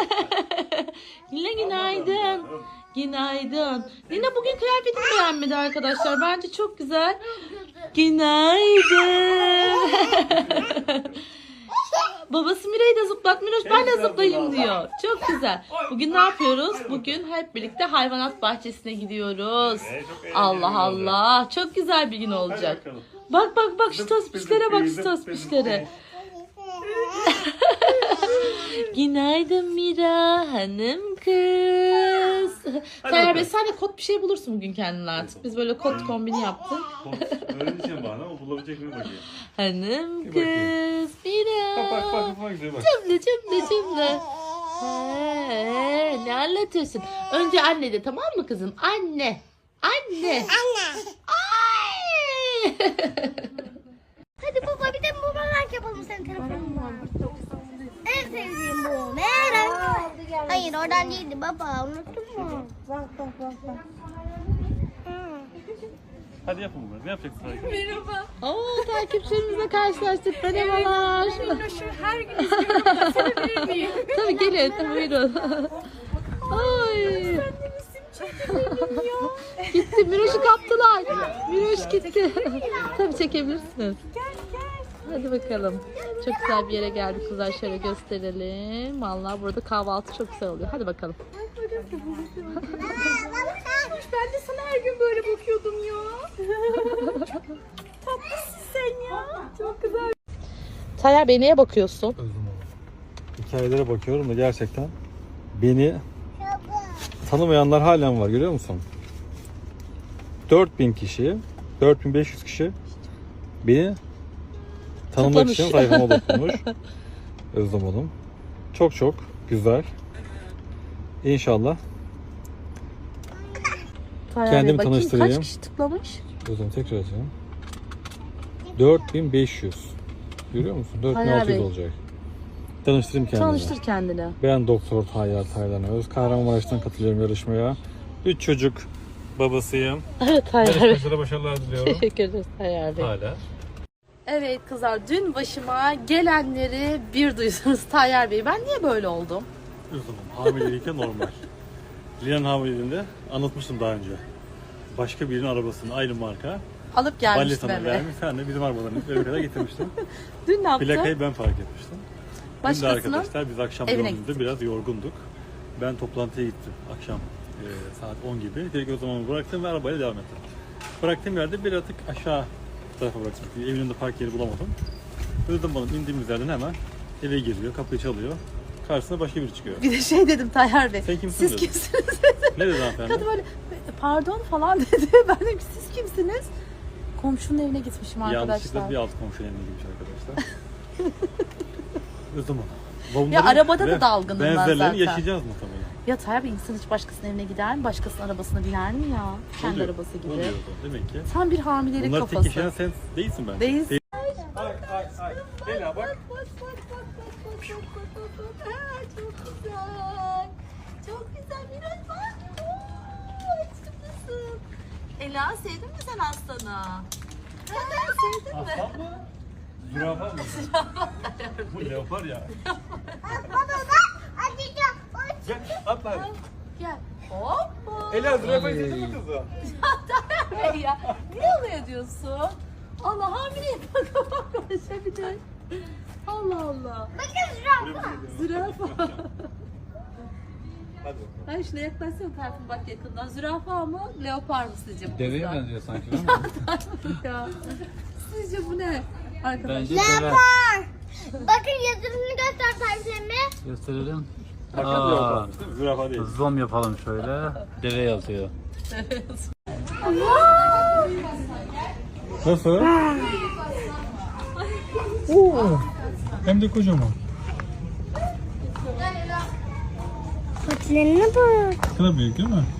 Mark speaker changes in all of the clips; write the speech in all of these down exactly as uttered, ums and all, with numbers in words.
Speaker 1: Lina günaydın. Günaydın. Lina bugün kıyafetini beğenmedi arkadaşlar. Bence çok güzel. Günaydın. Babası Mira'yı da zıplat. Miroş ben de zıplayayım diyor. Çok güzel. Bugün ne yapıyoruz? Bugün hep birlikte hayvanat bahçesine gidiyoruz. Allah Allah. Çok güzel bir gün olacak. Bak bak bak şu tospişlere bak şu tospişlere. Günaydın Mira hanım kız. Tayyar Bey sen de kot bir şey bulursun bugün kendine artık. Biz böyle kot kombini yaptık.
Speaker 2: Öyle diyeceğim bana ama bulabilecek mi bakayım.
Speaker 1: Hanım kız Mira.
Speaker 2: Bak bak bak bak güzel bak.
Speaker 1: Cümle cümle cümle. He, ne anlatıyorsun? Önce anne de tamam mı kızım? Anne. Anne.
Speaker 3: Anne.
Speaker 1: Ay.
Speaker 3: Hadi baba bir de bumerang yapalım senin telefonundan. En sevdiğim bu. Merak. Hayır oradan değildi baba. Unuttun mu? Bak bak bak bak.
Speaker 2: Hadi yapın bunu. Ne yapacaksın?
Speaker 4: Merhaba.
Speaker 1: Oo, takipçilerimizle karşılaştık. Merhabalar.
Speaker 4: Minnoş'u her gün izliyorum da sevebilir miyim?
Speaker 1: Tabii gelin. Buyurun. Ay. Gitti. Miroş'u kaptılar. Miroş gitti. Tabii çekebilirsiniz. Hadi bakalım. Çok güzel bir yere geldik kızlar. Şöyle gösterelim. Vallahi burada kahvaltı çok güzel oluyor. Hadi bakalım.
Speaker 4: Ben de sana her gün böyle bakıyordum ya. Çok tatlısın sen ya. Çok güzel.
Speaker 1: Tayyar Bey neye bakıyorsun?
Speaker 2: Hikayelere bakıyorum da gerçekten beni tanımayanlar halen var, görüyor musun? dört bin kişi, dört bin beş yüz kişi beni tanımak
Speaker 1: Tıklamış.
Speaker 2: için sayfama dokunmuş. Özlem Hanım. Çok çok güzel. İnşallah
Speaker 1: Tayyar
Speaker 2: Kendimi
Speaker 1: Bey, bakayım
Speaker 2: tanıştırayım.
Speaker 1: kaç kişi tıklamış?
Speaker 2: Özlem tekrar açalım. dört bin beş yüz. Görüyor musun? dört bin
Speaker 1: Tayyar
Speaker 2: altı yüz
Speaker 1: Bey.
Speaker 2: olacak. Tanıştırayım kendimi.
Speaker 1: Tanıştır kendini.
Speaker 2: Ben Doktor Tayyar Taylan Öz. Kahramanmaraş'tan katılıyorum yarışmaya. üç çocuk babasıyım.
Speaker 1: Evet Tayyar Bey.
Speaker 2: Yarışmacılara başarılar diliyorum.
Speaker 1: Teşekkür ederiz Tayyar Bey.
Speaker 2: Hala.
Speaker 1: Evet kızlar dün başıma gelenleri bir duysunuz Tayyar Bey. Ben niye böyle oldum?
Speaker 2: Üzülüm. Hamileliyken normal. Lina'nın hamileliğinde anlatmıştım daha önce. Başka birinin arabasını aynı marka.
Speaker 1: Alıp gelmiştim
Speaker 2: Balletana
Speaker 1: eve.
Speaker 2: vermiş. Sen de bizim arabalarını eve kadar getirmiştin.
Speaker 1: Dün ne yaptım?
Speaker 2: Plakayı ben fark etmiştim. Dün de
Speaker 1: Başkasının
Speaker 2: arkadaşlar biz akşam
Speaker 1: evine
Speaker 2: yolunda biraz yorgunduk. Ben toplantıya gittim akşam e, saat on gibi. Direkt o zaman bıraktım ve arabayla devam ettim. Bıraktığım yerde bir atık aşağı tarafa bıraktım. Evin önünde park yeri bulamadım. Özlem Hanım indiğimiz yerden hemen eve giriyor, kapıyı çalıyor. Karşısına başka biri çıkıyor.
Speaker 1: bir de şey dedim Tayyar Bey.
Speaker 2: Sen kimsin
Speaker 1: Siz
Speaker 2: dedim.
Speaker 1: kimsiniz dedim.
Speaker 2: Ne dedi hanımefendi?
Speaker 1: Kadın böyle pardon falan dedi. Ben dedim ki siz kimsiniz? Komşunun evine gitmişim arkadaşlar.
Speaker 2: Yanlışlıkla bir alt komşu evine girmiş arkadaşlar. Özlem Hanım. Bunların
Speaker 1: Ya arabada da
Speaker 2: ve
Speaker 1: dalgınım ben
Speaker 2: benzerlerini
Speaker 1: zaten.
Speaker 2: yaşayacağız muhtemelen.
Speaker 1: Ya Tayyar Bey insan hiç başkasının evine gider mi? Başkasının arabasına biner mi ya? Kendi
Speaker 2: Oluyor,
Speaker 1: arabası gibi.
Speaker 2: oluyor da, demek ki.
Speaker 1: Tam bir hamilelik
Speaker 2: Bunlar
Speaker 1: kafası.
Speaker 2: tek yaşayan sen değilsin bence.
Speaker 1: Değilsin.
Speaker 2: Ay ay ay. Ela bak.
Speaker 4: Bak bak bak bak bak bak bak bak bak. Ha, çok güzel. Çok güzel Miraç bak. Oo, aşkımsın.
Speaker 1: Ela sevdin mi sen aslanı? Ha, sevdin mi?
Speaker 2: Aslan mı? Zürafa mı? Bu leopar ya.
Speaker 3: Baba bak. Hadi gel.
Speaker 2: Gel atla.
Speaker 1: Gel. Hoppa.
Speaker 2: Ela zürafayı sevdin mi kızı?
Speaker 1: Tayyar Bey ya. Niye alay ediyorsun? Allah hamileyim. Bak bak konuşabilir. Allah Allah.
Speaker 3: Bakın zürafa.
Speaker 1: Zürafa.
Speaker 2: Hadi.
Speaker 1: Ay şuna yaklaşsana Tayfun bak yakından. Zürafa mı? Leopar mı sizce bu?
Speaker 5: Deveye
Speaker 1: kızlar?
Speaker 5: benziyor sanki değil mi?
Speaker 1: Ya. Sizce bu ne? Arkadaşlar.
Speaker 5: Bence deve.
Speaker 3: Bakın yazısını göster tariflerimi.
Speaker 5: Gösterelim.
Speaker 2: Hakikaten
Speaker 5: Aa.
Speaker 2: leoparmış değil mi? Zürafa değil.
Speaker 5: Zoom yapalım şöyle. Deve yazıyor.
Speaker 2: Nasıl? Oo. Hem de kocaman.
Speaker 3: Patilerine bak.
Speaker 2: Kına büyük değil mi?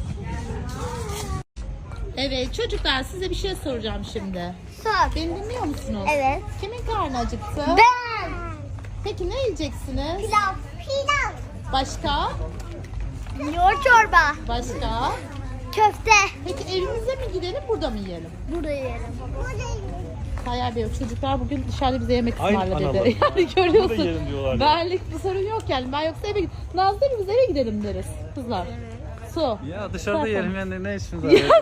Speaker 1: Evet çocuklar size bir şey soracağım şimdi.
Speaker 3: Sor.
Speaker 1: Beni dinliyor musunuz?
Speaker 3: Evet.
Speaker 1: Kimin karnı acıktı?
Speaker 3: Ben.
Speaker 1: Peki ne yiyeceksiniz?
Speaker 3: Pilav. Pilav.
Speaker 1: Başka?
Speaker 3: Yoğurt çorba.
Speaker 1: Başka?
Speaker 3: Köfte.
Speaker 1: Peki evimize mi gidelim burada mı yiyelim?
Speaker 3: Burada yiyelim. Burada yiyelim.
Speaker 1: Tayyar Bey, çocuklar bugün dışarıda bize yemek
Speaker 2: Ay,
Speaker 1: ısmarla
Speaker 2: analar.
Speaker 1: dedi. Yani
Speaker 2: Burada
Speaker 1: görüyorsun.
Speaker 2: yiyelim diyorlar.
Speaker 1: Benlik bir sorun yok yani. Ben yoksa eve gidelim. Nazlı değil mi? Biz eve gidelim deriz kızlar. Su.
Speaker 5: Ya dışarıda
Speaker 1: Zaten.
Speaker 5: yerim yani ne işimiz var?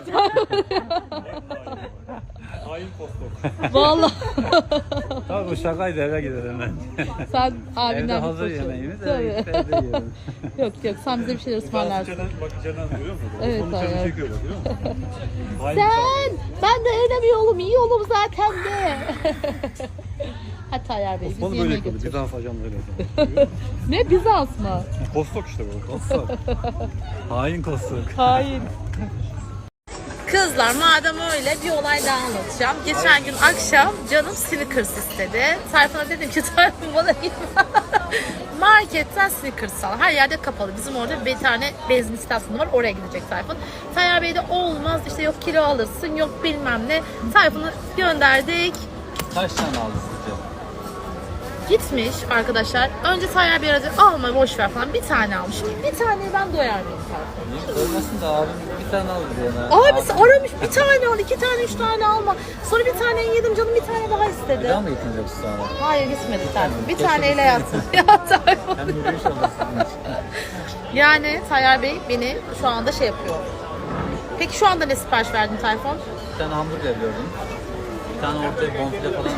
Speaker 2: Hain postok.
Speaker 1: Vallahi.
Speaker 5: Tabii bu şakaydı, eve gidelim ben.
Speaker 1: Sen
Speaker 5: Evde
Speaker 1: abinden
Speaker 5: hazır
Speaker 1: bir koşun.
Speaker 5: yemeğimiz,
Speaker 1: Tabii.
Speaker 5: eve gidip evde yiyelim.
Speaker 1: Yok yok, sen bize bir şeyler ısmarlarsın.
Speaker 2: İçeriden, bak içeriden görüyor musun?
Speaker 1: Evet,
Speaker 2: Onun içeriden
Speaker 1: hayır.
Speaker 2: çekiyor bak, görüyor musun? Hain
Speaker 1: Sen, ben de öyle bir yolum, iyi yolum zaten de. Hadi Tayyar Bey, bizi
Speaker 2: Osmanlı
Speaker 1: yemeğe
Speaker 2: böyle yapıyordu.
Speaker 1: götür.
Speaker 2: Bizans ajanları öyle.
Speaker 1: Ne Bizans mı?
Speaker 2: Postok işte bu.
Speaker 5: Kostok. Hain kostok.
Speaker 1: Hain. Kızlar madem öyle bir olay daha anlatacağım. Geçen gün akşam canım Snickers istedi. Tayfun'a dedim ki Tayfun bana marketten Snickers al. Her yerde kapalı. Bizim orada bir tane benzin istasyonu var. Oraya gidecek Tayfun. Tayyar Bey de olmaz işte yok kilo alırsın yok bilmem ne. Tayfun'u gönderdik.
Speaker 5: Kaç tane aldı sizce?
Speaker 1: Gitmiş arkadaşlar. Önce Tayyar Bey aradı. Alma boş ver falan. Bir tane almış. Şimdi bir taneyi ben doyar mıyım Tayfun?
Speaker 5: Doymasın da abim bir tane aldı diye.
Speaker 1: Abisi aramış bir tane al, iki tane, üç tane alma. Sonra bir tane yedim canım bir tane daha istedi.
Speaker 5: Bir daha mı getirecek sonra?
Speaker 1: Hayır gitmedi Tayfun. Bir
Speaker 5: Keşke
Speaker 1: taneyle yatsın.
Speaker 5: gitseydin.
Speaker 1: Ya Tayfun.
Speaker 5: Hem yürüyüş olmasın.
Speaker 1: Yani Tayyar Bey beni şu anda şey yapıyor. Peki şu anda ne sipariş verdin Tayfun?
Speaker 5: Bir tane hamburger gördüm. Bir tane ortaya bonfile falan.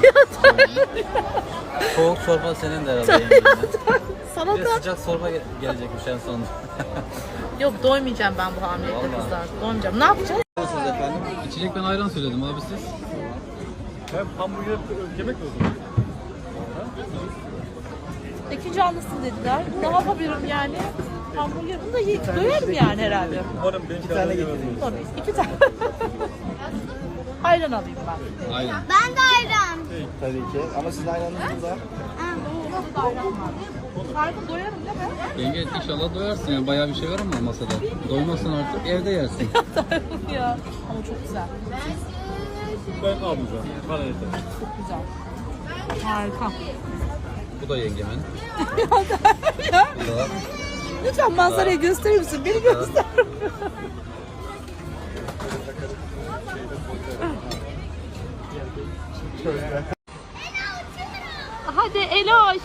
Speaker 5: Soğuk çorba senin de herhalde yengene.
Speaker 1: Sana
Speaker 5: Bir de
Speaker 1: da.
Speaker 5: sıcak çorba ge- gelecekmiş en sonunda.
Speaker 1: Yok doymayacağım ben bu hamilelikte
Speaker 5: Vallahi.
Speaker 1: kızlar. Doymayacağım. Ne yapacağız?
Speaker 5: Nasılsınız efendim? İçecek ben ayran söyledim abi siz.
Speaker 2: Hem hamburger yemek mi o zaman?
Speaker 1: İki canlısın dediler. Ne yapabilirim yani? Hamburger bunu da ye- doyarım yani herhalde.
Speaker 2: Umarım benimki tane getirdim.
Speaker 1: Tabii iki tane. Ayran alayım ben.
Speaker 5: Ayran.
Speaker 3: Ben de ayran.
Speaker 6: Tabii ki. Ama sizin ayranınız burada.
Speaker 1: Tayfun doyarım değil mi?
Speaker 5: Yenge inşallah doyarsın yani bayağı bir şey var ama masada. Doymazsan artık evde yersin.
Speaker 1: Ya. Ama çok güzel.
Speaker 2: Ben almayacağım. Bana yeter.
Speaker 1: Çok güzel. Harika.
Speaker 5: Bu da yengemin.
Speaker 1: Ya.
Speaker 5: Bu da
Speaker 1: Lütfen manzarayı gösterir misin? Beni göster. Hadi Eloş.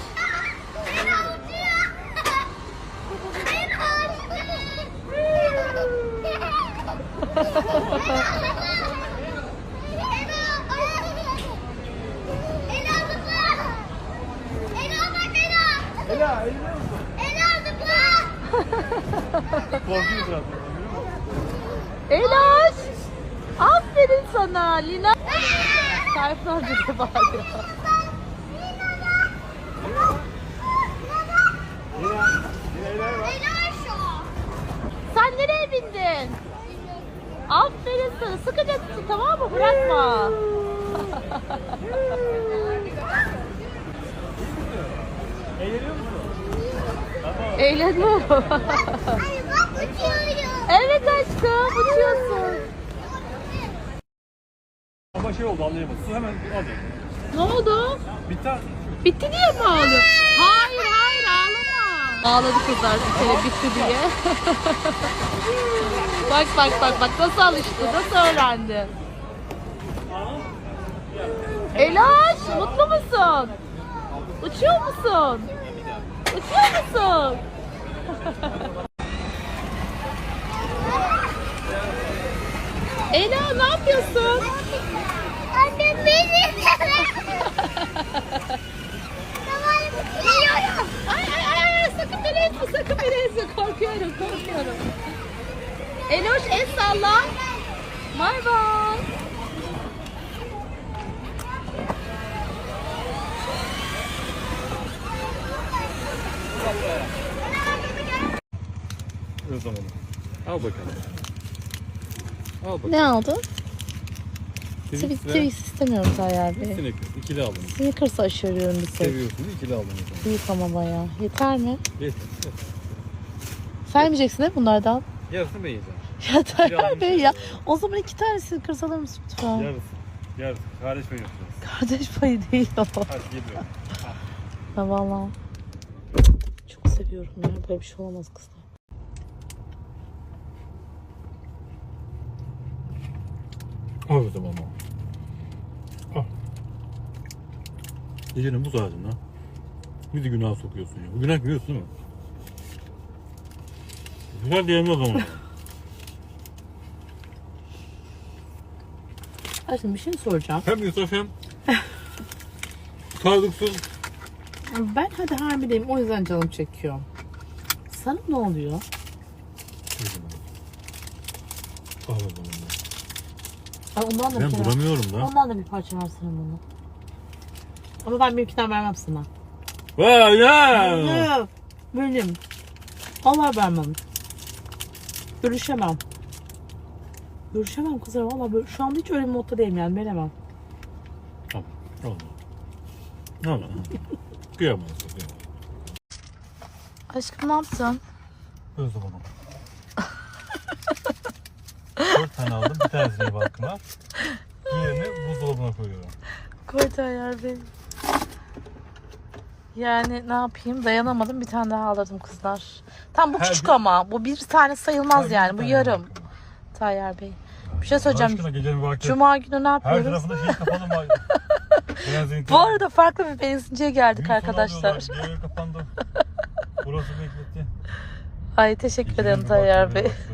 Speaker 2: Korkuyor biraz.
Speaker 1: Eloş. Aferin sana Lina. Tayfun amca da bağırıyor. Sen nereye bindin? Aferin sana. Sıkıca tut tamam mı? Bırakma.
Speaker 2: Eğleniyor musun?
Speaker 1: Eğleniyorum.
Speaker 3: Ay bak uçuyorum.
Speaker 1: Evet aşkım uçuyorsun.
Speaker 2: Ama şey oldu anlayamadım. Su hemen alacak.
Speaker 1: Ne oldu?
Speaker 2: Biter.
Speaker 1: Bitti diye mi ağlıyor? Hayır hayır ağlama. Ağladı kızlar bir kere bitti diye. Bak bak bak bak nasıl alıştı, nasıl öğrendi. Elaş mutlu musun? Uçuyor musun? Uçuyor musun? Ela ne yapıyorsun?
Speaker 3: Annem beni. Tamam biliyorum.
Speaker 1: Ay ay ay ay sakın beni ezme sakın beni ezme korkuyorum korkuyorum. Eloş el salla. Bay bay.
Speaker 2: O zaman. Al bakalım. Al bakalım.
Speaker 1: Ne aldın?
Speaker 2: Twix ve
Speaker 1: Twix istemiyorum Tayyar Bey.
Speaker 2: Snickers. İkili aldım.
Speaker 1: Snickers aşırıyorum bir tek.
Speaker 2: Seviyorsunuz. İkili aldım. o zaman.
Speaker 1: Büyük ama bayağı. Yeter mi?
Speaker 2: Yeter. yeter.
Speaker 1: Sen yemeyeceksin değil mi bunlardan?
Speaker 2: Yarısını ben yiyeceğim.
Speaker 1: Ya Tayyar Bey ya. O zaman iki tane Snickers alır mısın lütfen?
Speaker 2: Yarısı. Yarısı. Kardeş ben yapacağız.
Speaker 1: Kardeş payı değil o.
Speaker 2: Hadi geliyorum.
Speaker 1: Ya valla. Çok seviyorum ya. Böyle bir şey olamaz kızlar.
Speaker 2: Al o zaman. Al. Gecenin bu saatinde bizi günah sokuyorsun ya. Bu günah biliyorsun değil mi? Güzel diyelim o zaman.
Speaker 1: Aşkım bir şey soracağım.
Speaker 2: Hem Yusuf hem sağlıksız.
Speaker 7: Ben hadi hamileyim o yüzden canım çekiyor. Sana ne oluyor?
Speaker 2: Al o zaman.
Speaker 7: Ay ondan da
Speaker 2: Ben
Speaker 7: bir şey
Speaker 2: bulamıyorum da.
Speaker 7: Ondan da bir parça versene bana. Ama ben benimkinden vermem sana.
Speaker 2: Vay ya!
Speaker 7: Ne? Benim. Allah vermem. Görüşemem. Görüşemem kızlar valla böyle. Şu anda hiç öyle bir modda değilim yani veremem.
Speaker 2: Tamam. Olma. Olma. Kıyamam. Kıyamam.
Speaker 1: Aşkım ne yaptın?
Speaker 2: Öz zaman. Dört tane aldım. Bir tanesini balkıma. Diğerini buzdolabına koyuyorum.
Speaker 1: Koy Tayyar Bey. Yani ne yapayım dayanamadım bir tane daha alırdım kızlar. Tam bu
Speaker 2: Her
Speaker 1: küçük
Speaker 2: bir-
Speaker 1: ama bu bir tane sayılmaz
Speaker 2: Her
Speaker 1: yani
Speaker 2: bir
Speaker 1: bu
Speaker 2: tane
Speaker 1: yarım.
Speaker 2: balkıma.
Speaker 1: Tayyar Bey. Bir şey
Speaker 2: Allah
Speaker 1: söyleyeceğim.
Speaker 2: aşkına gecenin vakti.
Speaker 1: Cuma günü ne
Speaker 2: Her
Speaker 1: yapıyoruz?
Speaker 2: tarafında şey kapalı mı? Benzin
Speaker 1: Bu arada farklı bir benzinciye geldik arkadaşlar.
Speaker 2: Diğeri kapandı. Burası bekletti.
Speaker 1: Ay teşekkür ederim
Speaker 2: Gecenin
Speaker 1: Tayyar
Speaker 2: vakti
Speaker 1: Bey.
Speaker 2: böyle